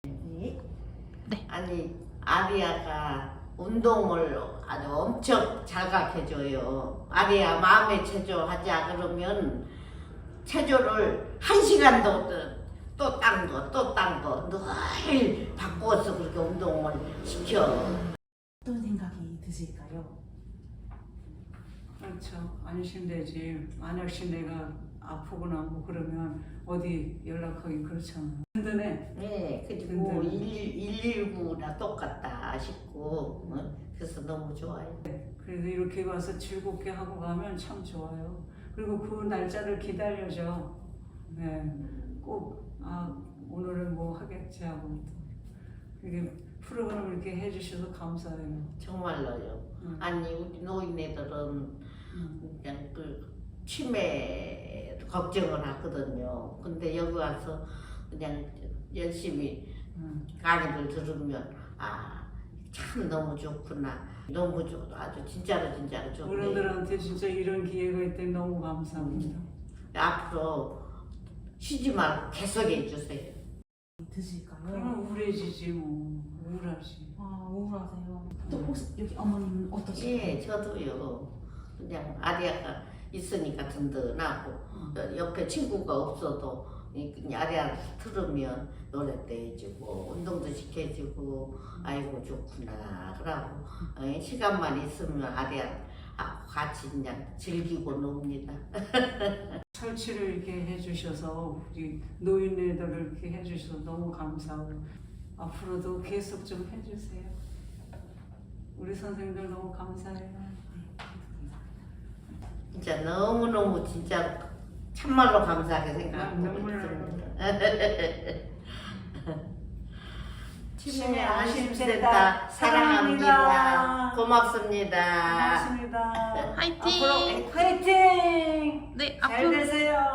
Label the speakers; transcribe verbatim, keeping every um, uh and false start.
Speaker 1: 네.
Speaker 2: 아니 아리아가 운동을 아주 엄청 자각해줘요. 아리아 마음의 체조 하자 그러면 체조를 한 시간도 또 딴 거 또 딴 거 늘 바꾸어서 그렇게 운동을 시켜.
Speaker 1: 어떤 생각이 드실까요?
Speaker 3: 그렇죠. 안심되지. 만약시 내가 아프거나 뭐 그러면 어디 연락하기 그렇잖아. 든든해.
Speaker 2: 네, 그리고
Speaker 3: 든든해.
Speaker 2: 일일구나 똑같다 싶고 어? 그래서 너무 좋아요.
Speaker 3: 그래도 이렇게 와서 즐겁게 하고 가면 참 좋아요. 그리고 그 날짜를 기다려줘. 네, 꼭 아, 오늘은 뭐 하겠지 하고 또 이게 프로그램 이렇게 해주셔서 감사해요.
Speaker 2: 정말로요.
Speaker 3: 음.
Speaker 2: 아니 우리 노인네들은
Speaker 3: 음.
Speaker 2: 그냥 그 치매 걱정을 하거든요. 근데 여기 와서 그냥 열심히
Speaker 3: 음.
Speaker 2: 강의를 들으면 아 참 너무 좋구나. 너무 좋 아주 진짜로 진짜로 좋네.
Speaker 3: 어른들한테 진짜 이런 기회가 있다니 너무 감사합니다.
Speaker 2: 앞으로 쉬지 말고 계속 해주세요.
Speaker 1: 드실까요?
Speaker 3: 그러면 우울해지지 뭐. 우울하지.
Speaker 1: 아 우울하세요. 또 혹시 여기 어머님은 어떠실까요?
Speaker 2: 예, 저도요. 그냥 아리아가 있으니까 든든하고
Speaker 3: 음.
Speaker 2: 옆에 친구가 없어도 이 아리아 들으면 노래도 해주고 운동도 시켜주고 아이고 좋구나 그러고 어, 시간만 있으면 아리아하고 같이 그냥 즐기고 놉니다.
Speaker 3: 설치를 이렇게 해주셔서 우리 노인네들을 이렇게 해주셔서 너무 감사하고 앞으로도 계속 좀 해주세요. 우리 선생님들 너무 감사해요.
Speaker 2: 진짜 너무너무 진짜 참말로 감사하게 생각하고
Speaker 3: 눈물
Speaker 2: 있습니다.
Speaker 3: 치매
Speaker 2: 안심센터 사랑합니다. 고맙습니다.
Speaker 3: 고맙습니다.
Speaker 1: 화이팅!
Speaker 3: 앞으로 화이팅!
Speaker 1: 네
Speaker 3: 잘
Speaker 1: 앞으로
Speaker 3: 되세요.